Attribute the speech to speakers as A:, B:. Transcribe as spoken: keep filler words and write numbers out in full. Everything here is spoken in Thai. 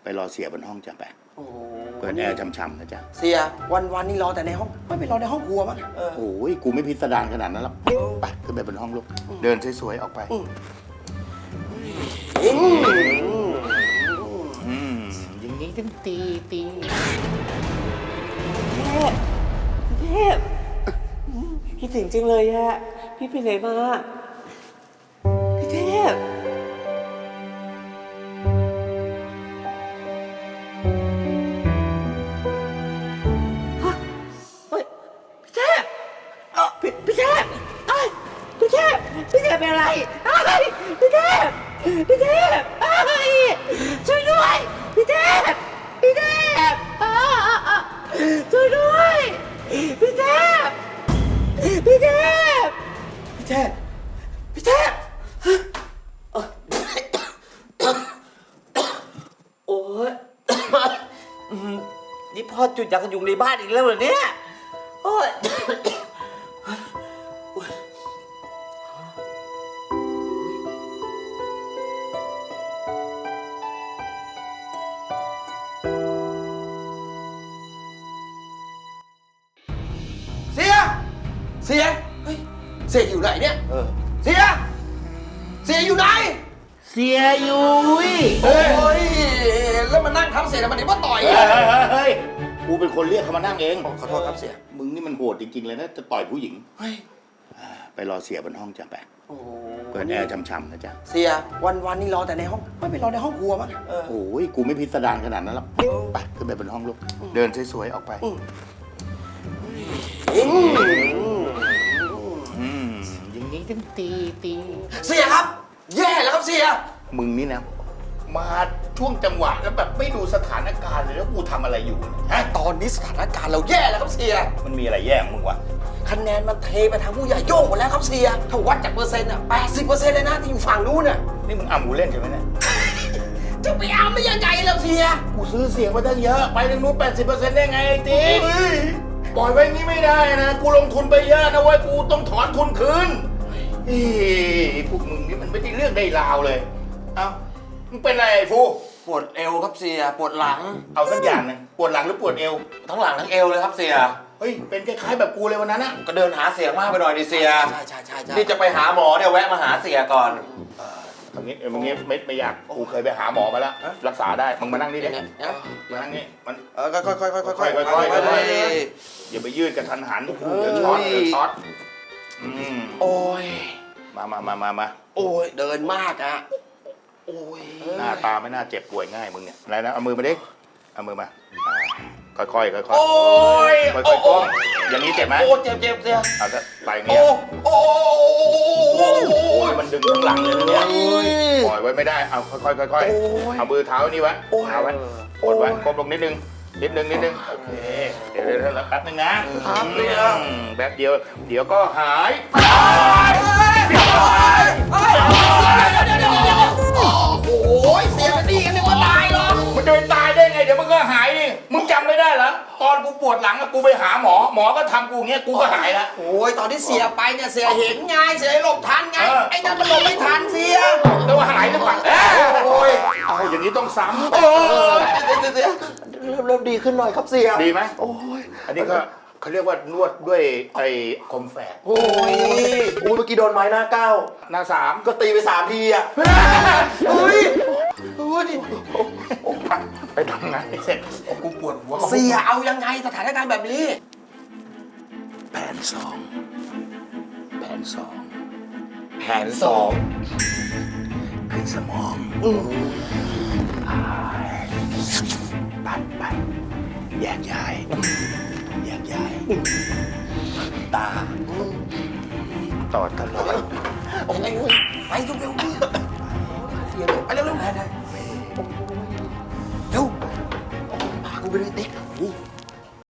A: ไปรอเสียบนห้องจ้ะไปเปิดแอร์ช่ำๆนะจ๊ะ
B: เสียวันวันนี้รอแต่ในห้องไม่ไปรอในห้องครัวมั้ง
A: โอ้ยกูไม่พิสดารขนาดนั้นหรอกไปขึ้นไปบนห้องลูกเดินสวยๆออกไปอย่างนี้ต้องตีตี
C: เทพเทพคิดถึงจังเลยอะพี่ไปไหนมาพี่เทพฮะเฮ้ยพี่เทพเออพี่พี่เทพเอ้ยพี่เทพพี่เทพเป็นอะไรเอ้ยพี่เทพพี่เทพเอ้ยช่วยด้วยพี่เทพพี่เทพอ้าช่วยด้วยพี่เทพพี่เทพพี่เทพพี่เทพโอ้ยนี่พ่อจุดยากันยุงในบ้านอีกแล้วเหรอเนี่ยโอ้ย
B: เสียเสียเฮ้ยเสียอยู่ไหนเนี่ยเออเสียเสียอยู่ไหน
A: เสียยุ้ย
B: โอ้ยแล้วมานั่งทับเสียทำไมเนี่ยว่าต่อย
A: เฮ้ยกูเป็นคนเรียกเขามานั่งเอง
B: ขอโทษครับเสีย
A: มึงนี่มันโหดจริงๆเลยนะจะต่อยผู้หญิงไปรอเสียบนห้องจ้ะไปเปิดแอร์ช่ำๆนะจ๊ะ
B: เสียวันวันนี้รอแต่ในห้องไม่ไปรอในห้องครัวมั้ง
A: โอ้ยกูไม่พิสดารขนาดนั้นหรอกไปขึ้นไปบนห้องลูกเดินสวยๆออกไปอย่างนี้ต้องตีตี
B: เสียครับแย่แล้วครับเสีย
A: มึงนี่นะมาช่วงจังหวะแล้วแบบไม่ดูสถานการณ์เลยแล้วกูทำอะไรอยู่
B: ฮะตอนนี้สถานการณ์เราแย่แล้วครับเสีย
A: มันมีอะไรแย่ของมึงวะ
B: คะแนนมันเทไปทางผู้ใหญ่โย่งหมดแล้วครับเสียถ้าวัดจากเปอร์เซ็นต์อ่ะแปดสิบเปอร์เซ็นต์เลยนะที่อยู่ฝั่งนู้นน่ะ
A: นี่มึงอ่ำกูเล่นใช่ไหมเนี่ย
B: จะไปอ่ำไม่ยังไงแล้วเสีย
A: กูซื้อเสียงมาตั้งเยอะไปทางนู้นแปดสิบเปอร์เซ็นต์ได้ไงไอ้ตีปล่อยไว้งี้ไม่ได้นะกูลงทุนไปเยอะนะเว้ยกูต้องถอนทุนคืนอีพวกมึงนี่มันไม่ได้เรื่องได้ราวเลยเอ้ามึงเป็นอะไรไอ้ฟู
B: ปวดเอวครับเสียปวดหลัง
A: เอาสักอย่างนึงปวดหลังหรือปวดเอว
B: ทั้งหลังทั้งเอวเลยครับเสีย
A: เฮ้ยเป็นคล้ายๆแบบกูเลยวันนั้นนะ
B: ก็เดินหาเสียงมากไปหน่อยดิเสีย
A: ใช่ใช่ใช่ใช่
B: นี่จะไปหาหมอเนี่ยแวะมาหาเสียก่อน
A: ตรงนี้ตรงนี้ไม่ไม่อยากกูเคยไปหาหมอมาแล้วรักษาได้มึงมานั่งนี่ดิมานั่งนี่มัน
B: เออค่อยค่อยค่อยค่อยค่อย
A: ค่อยค่อยอย่าไปยืดกระทันหันเดี๋ยวช็อตเดี๋ยวช็อตอืม
B: โอ้ย
A: มามามามามา
B: โอ้ยเดินมากอะโอ้ย
A: หน้าตาไม่น่าเจ็บป่วยง่ายมึงเนี่ยอะไรนะเอามือมาดิเอามือมาค่อยค่อยค่อยค่อย
B: โอ้ย
A: ค่อยค่อยก้มอย่างนี้เจ็บไหม
B: โอ้เจ็บเจ็บเจ็บ
A: เอาจะไปอย่างเงี้ย
B: โอ้
A: โอ้ยมันดึงข้างหลังเลยนะเนี่ยปล่อยไว้ไม่ได้เอาค่อยค่อยค่อยเอามือเท้านี่ไว้เท้าไว้กดไว้ก้มลงนิดนึงนิดนึงนิดนึงโอเคเดี๋ยวเดี๋ยวแป๊บนึงนะครับเดี๋ยวแป๊บเดียวเดี๋ยวก็หาย
B: โอ้ยเสียกันดีกันนึกว่าตายหรอ
A: มันจะไปตายได้ไงเดี๋ยวมันก็หายดิมึงจำไม่ได้เหรอตอนกูปวดหลังกูไปหาหมอหมอก็ทำกูเงี้ยกูก็หายแล้ว
B: โอ้ยตอนที่เสียไปเนี่ยเสียเห็นไงเสียหลบทันไงไอ้นั่นมันหลบไม่ทันเสีย
A: แต่ว่าหายหรือเปล่าโอ้ยเอาอย่างนี้ต้องซ้ำ
B: โอ้ยเสียเริ่มเริ่มดีขึ้นหน่อยครับเสีย
A: ดีไหม
B: โอ้ย
A: อันนี้ก็เขาเรียกว่านวดด้วยไอ้คมแฝก
B: โอ้ยโอ้ยเมื่อกี้โดนไม้หน้าเก้า
A: หน้าสาม
B: ก็ตีไปสามทีอ่ะโอ้ยโอ้ย
A: ไปทำงานเสร็จกูปวดหัว
B: เสียเอายังไงสถานการณ์แบบนี้
A: แผนสองแผนสอง
B: แผนสอง
A: ขึ้นสมองไปไปแยกย้ายแยกย้ายตาต่อตลอด
B: โอ้ยไปเร็วเร็วเสียไปเร็วเร็วเร็วเร็วพากูไปเลยเด็ก